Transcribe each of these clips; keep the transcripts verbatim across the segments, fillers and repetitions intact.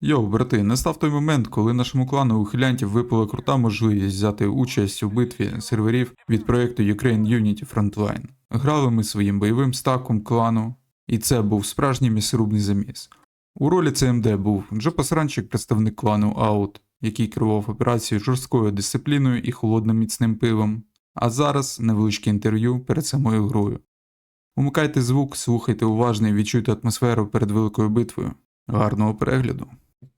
Йоу, брати, настав той момент, коли нашому клану ухилянтів випала крута можливість взяти участь у битві серверів від проєкту Ukraine Unity Frontline. Грали ми своїм бойовим стаком клану, і це був справжній м'ясорубний заміс. У ролі Це Ем Де був Джо Пасранчик, представник клану Аут, який керував операцією жорсткою дисципліною і холодним міцним пивом. А зараз невеличке інтерв'ю перед самою грою. Умикайте звук, слухайте уважно і відчуйте атмосферу перед великою битвою. Гарного перегляду!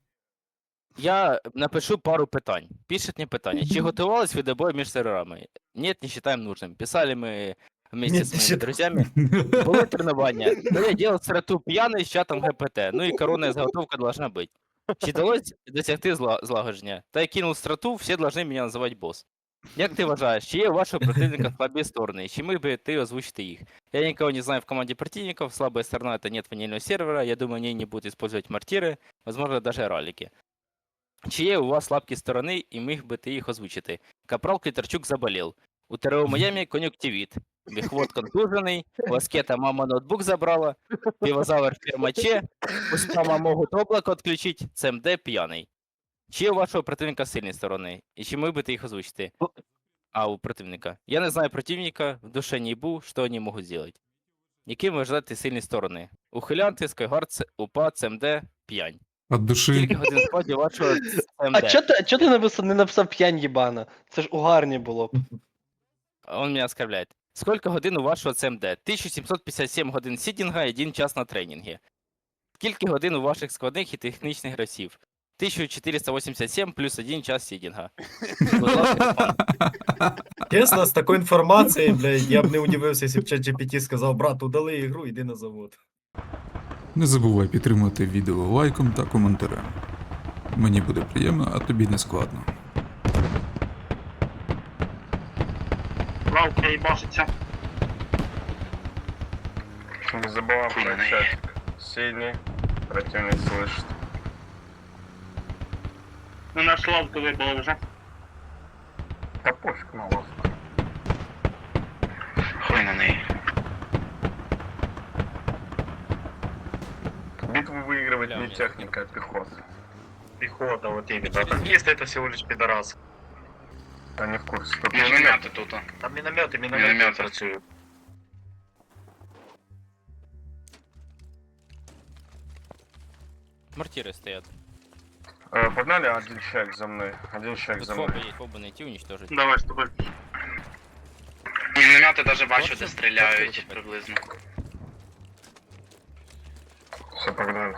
Я напишу пару питань. Пишет мне питання. Чи готувались ви до бою між серверами? Нет, не считаем нужным. Писали мы вместе Нет, с не моими считаем. друзьями. Були тренування. Ну, я делал страту пьяный с чатом Ге Пе Те. Ну і коронная заготовка должна быть. Чи вдалося досягти зла- злагодження? Та я кинув страту, всі должны мене називати бос. Як ти вважаєш, чи є у вашого противника слабі сторони? Чи міг би ти озвучити їх? Я никого не знаю в команде противников. Слабая сторона — это нет ванильного сервера. Я думаю, они не будут использовать мортиры, возможно, даже ралики. Чи є у вас слабкі сторони, і міг би ти їх озвучити? Капрал Китарчук заболів. У ТРО Майамі кон'юктивіт. Бігвот контужений, у Аскета мама ноутбук забрала, півозавр в фермаче, у спама можуть облако відключити, Це Ем Де п'яний. Чи є у вашого противника сильні сторони? І чи міг би ти їх озвучити? А, у противника. Я не знаю противника, в душе не ебу, що вони можуть зробити. Які ви вважаєте сильні сторони? Ухилянти, Скайгард, УПА, Це Ем Де, п'янь. От душі. Скільки годин складі вашого Це Ем А Де? чо ти, чо ти написав, не написав п'янь їбана? Це ж угарні було б. Он меня оскорбляет. Сколько годин у вашого Це Ем Де? тисяча сімсот п'ятдесят сім годин сідінга і один час на тренінгі. Скільки годин у ваших складних і технічних гравців? тисяча чотириста вісімдесят сім плюс один час сідінга. Будь ласка, пан. Чесно, з такою інформацією, блядь, я б не удивився, якщо б ChatGPT сказав, брат, удали ігру, йди на завод. Не забувай підтримати відео лайком та коментарем. Мені буде приємно, а тобі не складно. Лавка їбашиться. Не забываем включать сильный, противник слышит. Ну наш лавку вибило вже. Да пофиг на вас. Хуй на неї. Битву выигрывать Бля, не мне техника, а пехота. Піхота, вот именно. Танкисты это всего лишь пидорас. Я не в курсе. Тут Міномети тут. Там міномети, міномети працюють. Мортиры стоят. Э, погнали, один человек за мной. Один человек Тут за фоба мной. есть, фоба найти, уничтожить. Давай з тобою. Міномети даже бачу, Хлопці, де стріляють хлопці, приблизно. Все, погнали.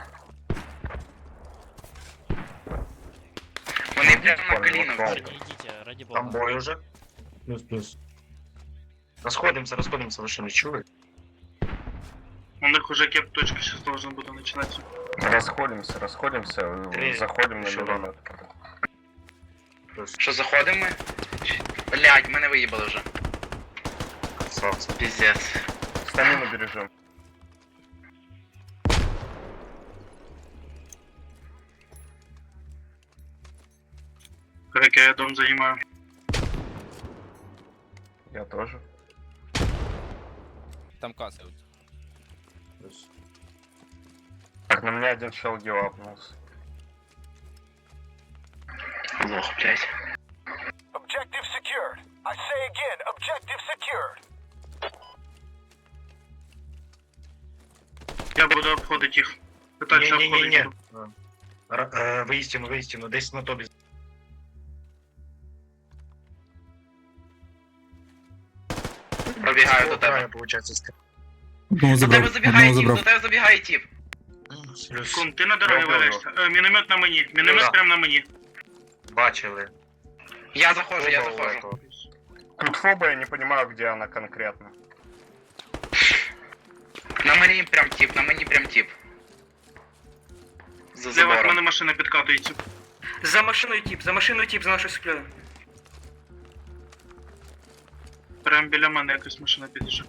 Вони прямо на Парни, коліно. вот всі. валка. идите, ради бога. Там бой уже. Плюс-плюс. Расходимся, расходимся, вы что, не чули? У них уже кеп-точка сейчас должна буде начинаться. Расходимся, расходимся, э, Три. заходим на Еще миномет. Що, заходимо ми? Чи- Блядь, мене виїбали вже. Красавцы. Піздець. Стамину бережем. Как я дом занимаю. Я тоже. Там касса. Так, на меня один чел гилапнулся. Лох, блядь. Objective secured. I say again, objective secured. Я буду обходити їх. Питаюся обходити. Ні-ні-ні. Виїстину, виїстину, десь на тобі. Пробігаю до тебе. Получається, Одного До тебе забрав, забігає одного тіп, до забрав. тебе забігає тіп. плюс. Кун, ти на дорозі Я валяєшся. Е, міномет на мені. Міномет Да. прямо на мені. Бачили. Я заходжу, я Оба заходжу. этого. Тут фоба, я не понимаю, где она конкретно. На мені прям тіп, на мені прям тіп. За Зліва від забором. мене машина підкатується. За машиною тип, за машиною тип, за нашою сплею. Прямо біля мене якась машина підійшла.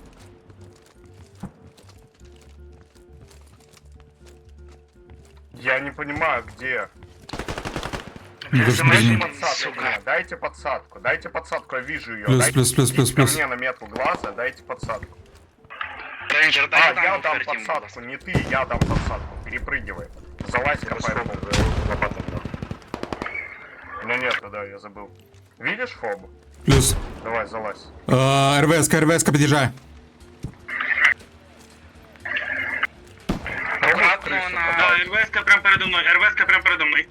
Я не понимаю, где. Ну, За плюс, Дайте машиною. подсадку сука. мне, дайте подсадку, дайте подсадку, я вижу ее. плюс, дайте плюс, плюс, плюс, ко плюс. мне на метку глаза, дайте подсадку. Рейнджер, А, дай я там дам фертім, будь подсадку, ласка. не ты, я дам подсадку. Перепрыгивай. Залазь, копай. нету, да, я забыл. Видишь фобу? Плюс. Давай, залазь. Е, РВС-ка, РВС-ка під'їжджає. Аккуратно на... Да, РВС-ка прям передо мною, РВС-ка прям передо мною.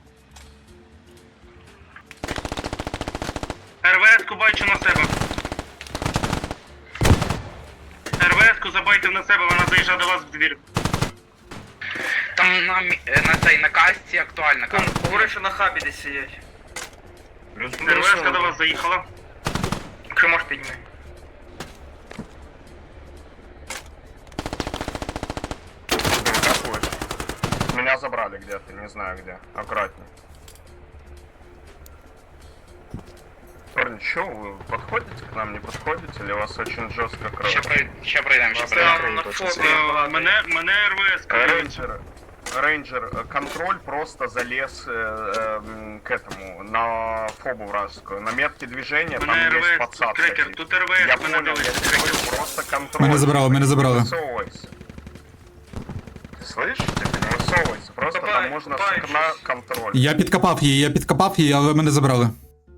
РВС-ку бачу на себе. РВС-ку забайте на себе, вона заїжджає до вас в двір. Там на, мі- е, на цей, на касті актуально. Там, Кам- говорить, що на хабі десь сидять. РВС-ка до вас заїхала. Якщо можеш підніми. Ты какой? Меня забрали где-то, не знаю где. Аккуратней. Парни, чё, вы подходите к нам, не подходите? Или вас очень жестко кроют? Ще, прой... ще пройдемо, ще Вас пройдемо. там на точно фото. Е, Мене, мене РВС-ка. Рейнджер, рейнджер, э, контроль просто залез э, э, к этому, на фобу вражескую. На метке движения там Мене есть РВС, тут подсадка. крекер, типа. тут РВС, Я мене понял, я дивиться, тебе крекер. говорю, просто контроль. Мене забрали, мене забрали. Не высовывайся. Ты слышишь? Типа не высовывайся, просто Копай, там можно с копай окна щось. контроль. Я підкопав її, я підкопав її, але мене забрали.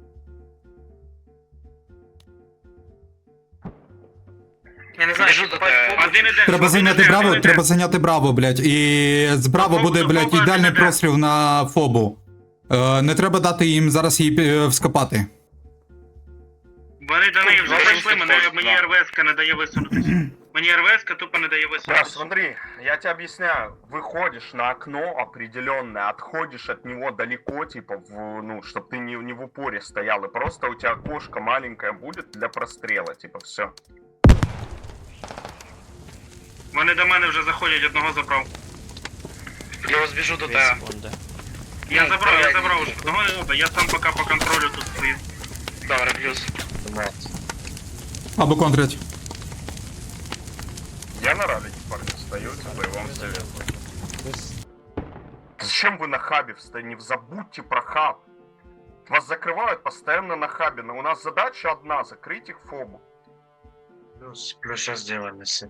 Я не знаю, Біжу що до копати тебе. фобу. Один іде. Треба один зайняти іде, браво, один іде. треба зайняти браво, блядь. І з браво Фобу, буде, блядь, фобу, ідеальний іде. простріл на фобу. Е, не треба дати їм зараз її е, вскопати. Вони до неї вже Зараз прийшли, тут мене, теж, мені да. РВС-ка не дає висунутися. Мені РВС-ка тупо не дає Да, висунутися. смотри, я тебе объясняю. Выходишь на окно определенное, отходишь от него далеко, типа, в, ну, чтобы ты не, не в упоре стоял, и просто у тебя окошко маленькое будет для прострела, типа, все. Вони до мене вже заходять, одного забрав. Плюс біжу до тебе. Я Ну, забрав, я давай. забрав уже. Одного не треба, я сам поки по контролю тут стою. Добре, плюс. Або контрять. Я на ралике, парни, стою, типа, и вам советую. Зачем вы на хабе встаете? Не забудьте про хаб. Вас закрывают постоянно на хабе, но у нас задача одна — закрыть их фобу. Плюс, плюс сейчас сделаем, если.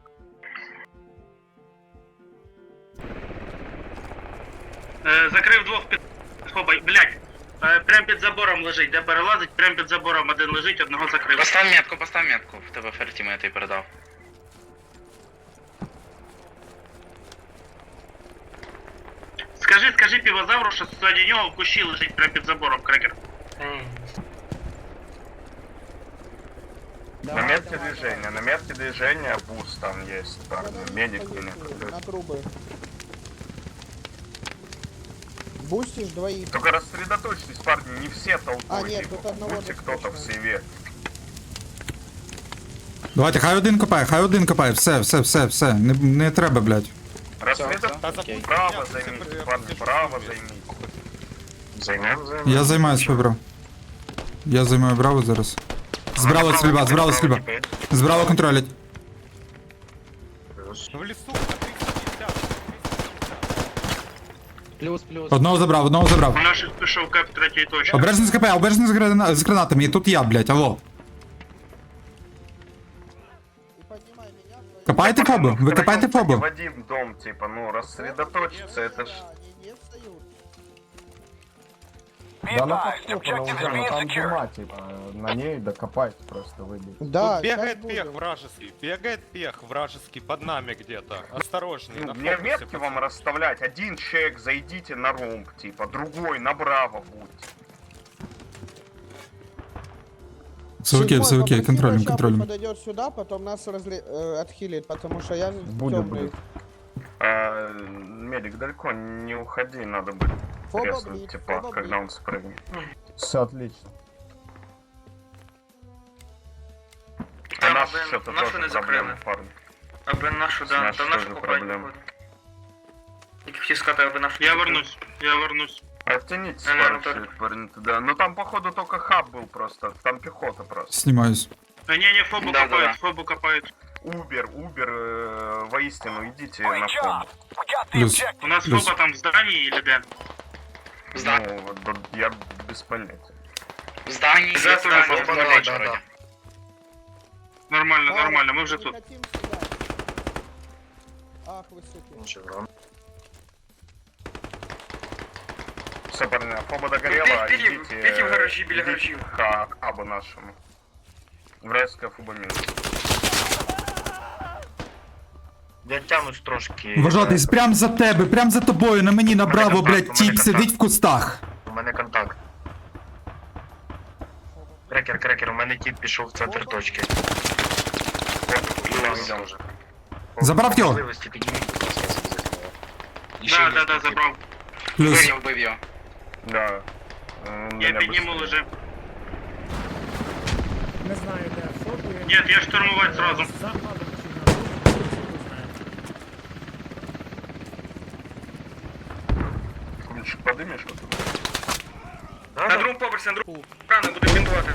Е, закрив двох під фобой. Блять. Е, прям під забором лежить, де перелазить, прям під забором один лежить, одного закрив. Постав метку, постав метку. В тебе фертіми я тобі передав. Скажи, скажи півозавру, що ззаді нього в кущі лежить прям під забором, крекер. На метке движения, на метке движения буст там есть, парни, медик меня. На трубы. Бустишь двоих. Только рассредоточьтесь, парни, не все толпой, А, нет, типа, тут одного будьте кто-то в достаточно. сейве. Давайте, хай один копає, хай один копає. Все, все, все, все. Не, не треба, блядь. Рассредоточьтесь, право займите, парни, право займите. Займем, займем. Я займаюсь браво. Я займаю браво зараз. Збраво стрільба, збраво стрільба. Збраво контролять. Плюс, плюс. Одного забрав, одного забрав. У наших пішов кеп третьої точки. Обережно з КП, обережно з, грана... з гранатами. І тут я, блядь, алло. И поднимай меня. твои- Копайте фобу, ви копайте В фобу. один дом, типа, ну, рассредоточиться, это ж... Они не встают. Be advised, objectives are being secured. типа, на ней докопать просто выбить. Да, Тут бегает щас пех буду. вражеский, бегает пех вражеский под нами где-то. Осторожней, Ну, на мне фокусе, метки вам пацаны. расставлять. Один человек зайдите на ромб, типа, другой направо будьте. Все окей, Седьмой, все окей, попроси контролем, Бачапу контролем. подойдет сюда, потом нас разле... э, отхилит, потому что я Будет, темный. будет. А, медик, далеко не уходи, надо будет Фоба треснуть, брит, типа, фоба когда брит. он спрыгнет. Все отлично. А Там, наш блин, что-то нашу тоже не проблема, закрили. парни. Аби нашу, да, Знаєш, там що нашу за копають, проблема? походу. Тільки хотів сказати, аби нашу. Я вернусь, я вернусь. Оттянитесь, Не, не, парни, Анатолий. парни, туда. Ну там, походу, только хаб был просто. Там пехота просто. Знімаюсь. А, не, не, фобу Да, копают, да, да. фобу копают. Убер, Убер, э, воистину, идите Great на job. фобу. We got the Плюс. objective. У нас Плюс. фоба там в здании или де? Зда- Ну, вот, вот я без понятия. В здании, За є здання, здання, да, в да, Норвегії да, вроді. Нормально, Парень, нормально, мы уже не тут. хотим сюда. Ах, вы суки. Ничего. Все, парни, фоба догорела, Пи- пили- идите, пейте в гаражі, біля идите гаражів. к абу нашему. Вражеская фоба минус. Я тянусь трошки. Вважатись, прям за тебе, прям за тобою, на мені направо, контакт, у блядь, мене тіп контакт. сидить в кустах. У мене контакт. Крекер, крекер, у мене тіп пішов в центр точки. Забрав його? Можливості підніміть, будь ласка, зв'язок. Да, да, да, забрав. Плюс. Вбив, вбив його. Да. М, Я меня підніму быстрее. лежи. Не знаю, де. Фото я... Нет, я штурмувати сразу. Ключик подымешь вот туда? На другому поверсі, на другому. Рано буде бінтувати.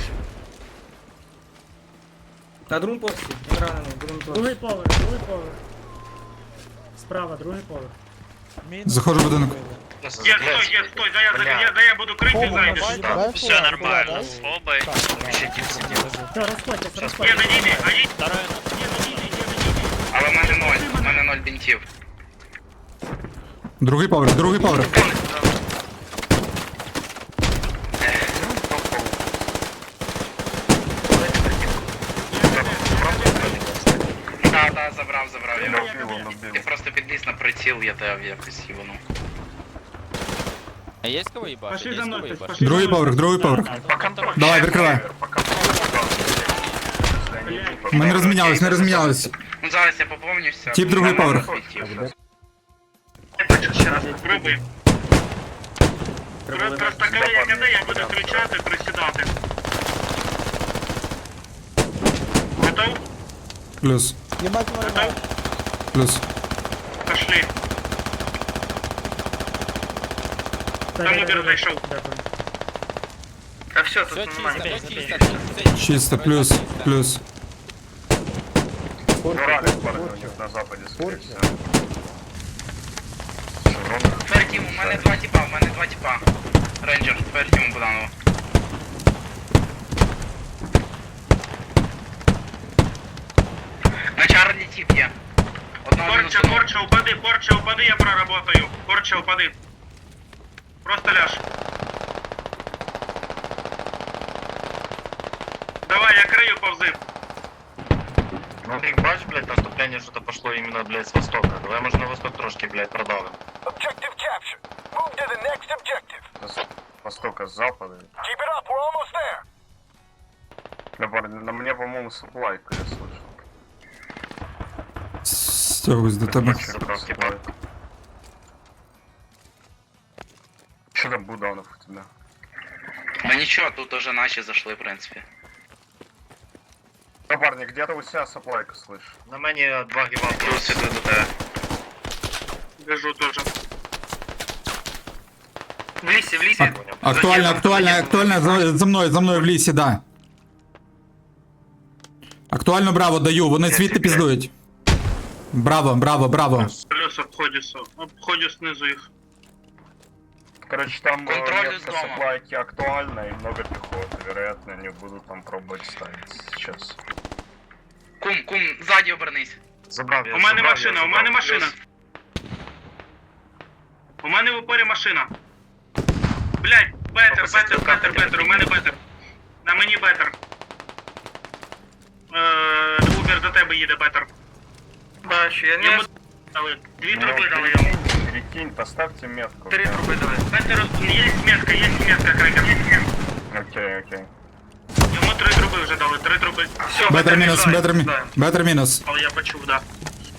На другому поверсі, він ранений, будемо тут. Другий поверх, другий поверх. Справа, другий поверх. Заходжу в будинок. Є, стой, є, стой, дай я, Бля. я, дай я буду крити, зайдеш. Все нормально, з Фобой. Ще тіп сидів. Все, розходьтесь, Є, розходьтесь. на ній, а їй. Є, на ній, є, на ній. Але в мене ноль, в мене ноль бінтів. Другий поверх, другий поверх. Да, да, забрав, забрав Я його. убил, он убил. Ти просто підліз на приціл, я тебе якось їбану. А есть кого ебашить? Пошли Есть за кого мной, ебашить? пошли. Другий поверх, другий поверх. По контролю. Давай, прикривай. По контролю, да. Если они идут по Ми не розмінялись, не розмінялись. Ну зараз я поповнюся. Тіп другий У мене поверх. ноль бінтів. Я бачу ще раз. Пробуй. Просто коли я кидаю, я буду кричати, присідати. Готов? Плюс, Ебать мой Готов? плюс. Пошли. Там Убер зайшов. А все, Все тут чисто, нормально. все чисто, все чисто. Чисто, плюс, плюс. Уралец, парни, у них на западе, скорее всего. Шеврон. Фертім, у мене два тіпа, у мене два тіпа. Рейнджер, Фертім Буданова. На Чарлі тіп є. Одного Порча, мінусану. порча, упади, порча, упади, я проработаю. Порча, упади. Просто ляж. Давай, я крию, повзи. Ну ти бач, блядь, наступлення що-то пошло іменно, блядь, з востока. Давай, може, на восток трошки, блядь, продавим. Objective captured. Move to the next objective. С востока, с запада. Keep it up, we're almost there. Да, парни, на мне, по-моему, суплайка, я слышал. Стягуюсь до тебе. Забрав тіпа. Что там Буданов у тебя? Ну нічого, тут уже наші зайшли, в принципі. Да, парни, где-то у себя суплайка, слышь. На мені два гіба Плюс іду до тебе. Біжу теж. В лісі, в лісі. А- Актуально, актуально, актуально, за, за мною, за мною в лісі, да. Актуально браво даю, вони звідти піздують. Браво, браво, браво. Плюс обходю, обходю снизу їх. Короче, там э, Контроль метка из дома. суплайки актуальна и много пехоты. Вероятно, они будут там пробовать ставить сейчас. Кум, кум, ззаді обернись. Забрав я, У мене забрав, машина, я у мене забрав. машина. У мене в упорі машина. Блять, бетер, бетер, бетер, бетер, у мене бетер. На мені бетер. Е, Убер до тебе їде бетер. Бачу, я не дали. Дві труби дали йому. Перекинь, поставьте метку. Три труби дали. Бетер, є метка, є метка, крекер. Окей, окей. Йому три труби вже дали, три труби. Все, Бетер мінус, мішає. бетер мінус, Да. бетер мінус. Але я почув, да.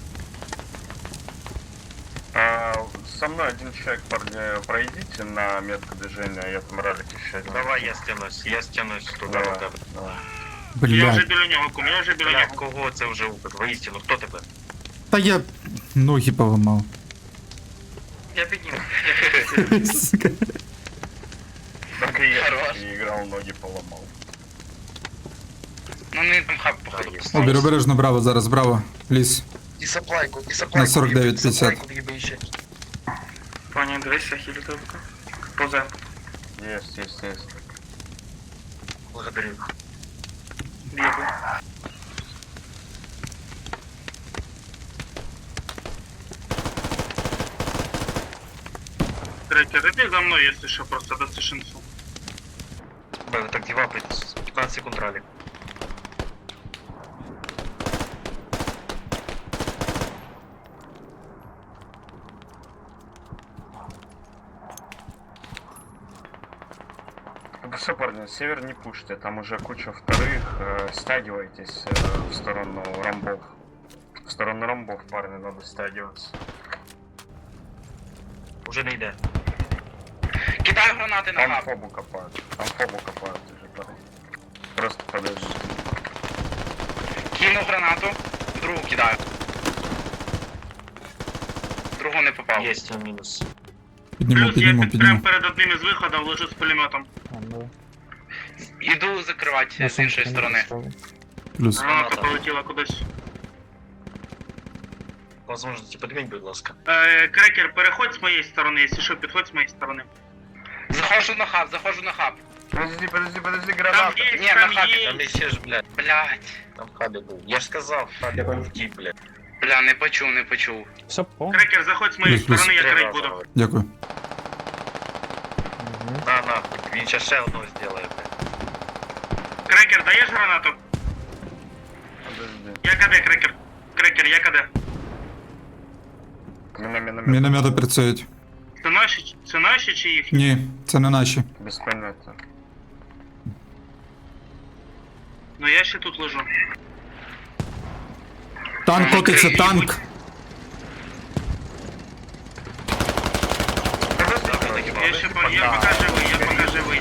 А, со мной один человек, парни, пройдите на метку движения, я там ралик еще один. Давай я стянусь, я стянусь туди Давай, до тебе. давай. Я вже Блядь. біля нього, кум, я вже біля Бля, нього. кого це вже упит? Воістину, хто тебе? Та я ноги поламав. Я підніму. Сука. Так и я Хорош. таки играл, ноги поломал. Ну не там хаб походу. Є. поставив. Обір, обережно, браво, зараз, браво. Ліс. І саплайку, і На сорок дев'ять п'ятдесят. Пані, дивися, хілі тебе. Позе. Есть, есть, есть. Благодарю. Бігу. Крекер, иди за мной, если что, просто дастишь инфу. Б, вы так девапаетесь. пятнадцать секунд ралли. Все, парни, север не пушьте, там уже куча вторых, э, стягивайтесь э, в сторону ромбов. В сторону ромбов, парни, надо стягиваться. Уже не йде. Кидаю гранати на Там габ. фобу копают, там фобу копают уже, парни. Просто подожди. Кинув гранату, другу кидаю. Другу не попав. Есть минус. Підніму, Плюс я підніму, під, підніму. прям перед одним із виходів лежу з пулеметом. Іду закривати з іншої сторони. Плюс. Граната так. полетіла кудись. Возможно, подвинь, будь ласка. Е, Крекер, переходь з моєї сторони, якщо що, підходь з моєї сторони. Заходжу на хаб, заходжу на хаб. Подожди, подожди, подожди, Там граната. є, Ні, там на хабі, є. Там еще ж, блядь. Блять. Там хабі був. Я ж сказав, хабі був втік, блядь. Бля, не почув, не почув. Крекер, заходь з моєї Плюс, плюс. сторони, я Три крить рази буду. говорю. Дякую. На, на, він ще ще одного зробить, блядь. Крекер, даєш гранату? Подожди. Я КД, Крекер. Крекер, я КД. Міна, міна, міна. Міномети працюють. Це наші, це наші чи їхні? Ні, це не наші. Без поняття. Ну я ще тут лежу. Танк котиться, танк! Я ще по- я поки живий, я поки живий.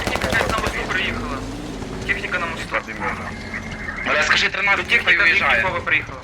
Техніка на мосту. Подимена. Бля, скажи, тринадцять техніка виїжджає. приїхала.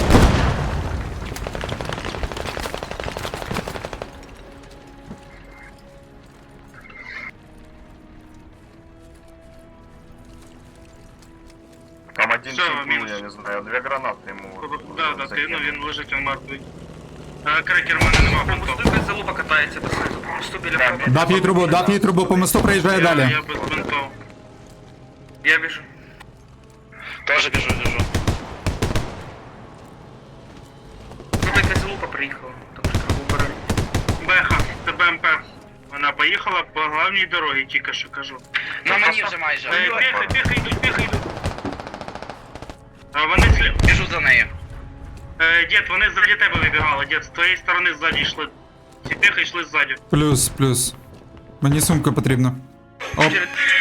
Там один Всё, тип был, минус. я не знаю, две гранаты ему. вот, Да, да, ти, ну закинул. він лежить, він мертвий. А, Крекер, в мене нема бунтов. залупа катається, по мосту біля Да, хаба. Дав їй трубу, дав їй трубу, по мосту проїжджає Я, далі. я без бунтов. Я біжу. Тоже біжу, біжу. Тут якась залупа приїхала, тому що треба убирати. Беха, це БМП. Вона поїхала по главній дорогі, тільки що кажу. На мені вже майже. Е, Піхи, піхи йдуть, піхи йдуть. А вони слід. Біжу за нею. Е, дід, вони ззаді тебе вибігали, дід, з твоєї сторони ззаді йшли. Ці піхи йшли ззаді. Плюс, плюс. Мені сумка потрібна. Оп.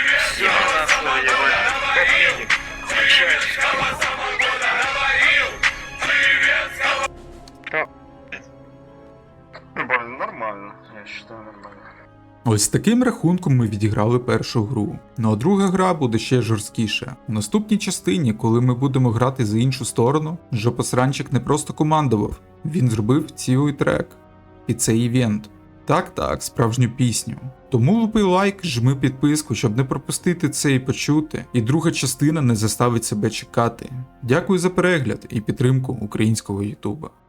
Ну, блин, нормально, я считаю, нормально. Ось таким рахунком ми відіграли першу гру. Ну а друга гра буде ще жорсткіша. У наступній частині, коли ми будемо грати за іншу сторону, Жопосранчик не просто командував, він зробив цілий трек під цей івент. Так, так, справжню пісню. Тому лупи лайк, жми підписку, щоб не пропустити це і почути, і друга частина не заставить себе чекати. Дякую за перегляд і підтримку українського ютуба.